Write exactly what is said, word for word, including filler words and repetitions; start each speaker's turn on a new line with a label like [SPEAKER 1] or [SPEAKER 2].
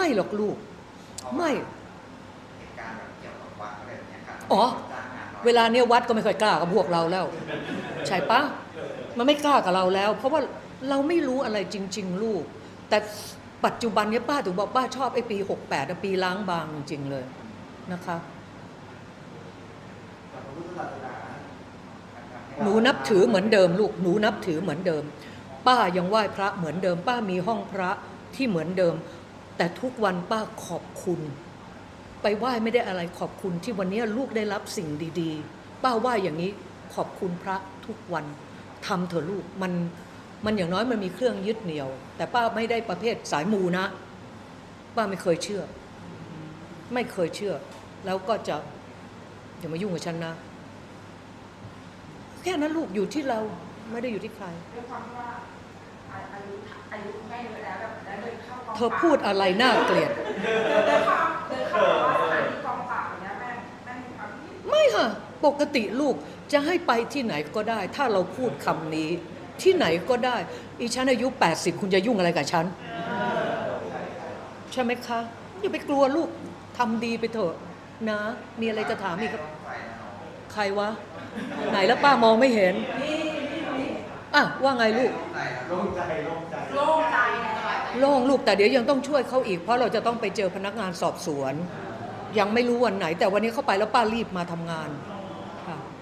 [SPEAKER 1] ไม่หรอกลูกไม่
[SPEAKER 2] เหตุการณ์แบบเกี่ยวกับวัดอะไรแบบนี้ครับ
[SPEAKER 1] อ๋อเวลาเนี้ยวัดก็ไม่ค่อยกล้ากับพวกเราแล้วใช่ปะมันไม่กล้ากับเราแล้ว เพราะว่าเราไม่รู้อะไรจริงๆลูกแต่ปัจจุบันนี้ป้าถึงบอกป้าชอบไอ้ปีหกแปดปีล้างบางจริงๆเลยนะคะหนูนับถือเหมือนเดิมลูกหนูนับถือเหมือนเดิมป้ายังไหว้พระเหมือนเดิมป้ามีห้องพระที่เหมือนเดิมแต่ทุกวันป้าขอบคุณไปไหว้ไม่ได้อะไรขอบคุณที่วันนี้ลูกได้รับสิ่งดีๆป้าไหว้อย่างนี้ขอบคุณพระทุกวันทำเถอะลูกมันมันอย่างน้อยมันมีเครื่องยึดเหนี่ยวแต่ป้าไม่ได้ประเภทสายมูนะป้าไม่เคยเชื่อไม่เคยเชื่อแล้วก็จะอย่ามายุ่งกับฉันนะแค่นั้นลูกอยู่ที่เราไม่ได้อยู่ที่ใคร
[SPEAKER 3] ด้วยความว่าอายุอายุแม่เยอะแล้วแล้วเดินเข้ากอง
[SPEAKER 1] เธอพูดอะไรน่าเกลียด
[SPEAKER 3] เดินเข้าเดินเข้าสถานีกองปราบอย่างเงี้ยแม่แม่มีความคิด
[SPEAKER 1] ไม่ค่ะปกติลูกจะให้ไปที่ไหนก็ได้ถ้าเราพูดคำนี้ที่ไหนก็ได้อีฉันอายุแปดสิบคุณจะยุ่งอะไรกับฉันใช่ไหมคะอย่าไปกลัวลูกทำดีไปเถอะนะมีอะไรจะถามอีกครับใครวะไหนแล้วป้ามองไม่เห็นอ่ะว่าไงลูก
[SPEAKER 2] โล่งใจโล่งใจ
[SPEAKER 3] โล่งใจ
[SPEAKER 1] โล่งลูกแต่เดี๋ยวยังต้องช่วยเขาอีกเพราะเราจะต้องไปเจอพนักงานสอบสวนยังไม่รู้วันไหนแต่วันนี้เข้าไปแล้วป้ารีบมาทำงาน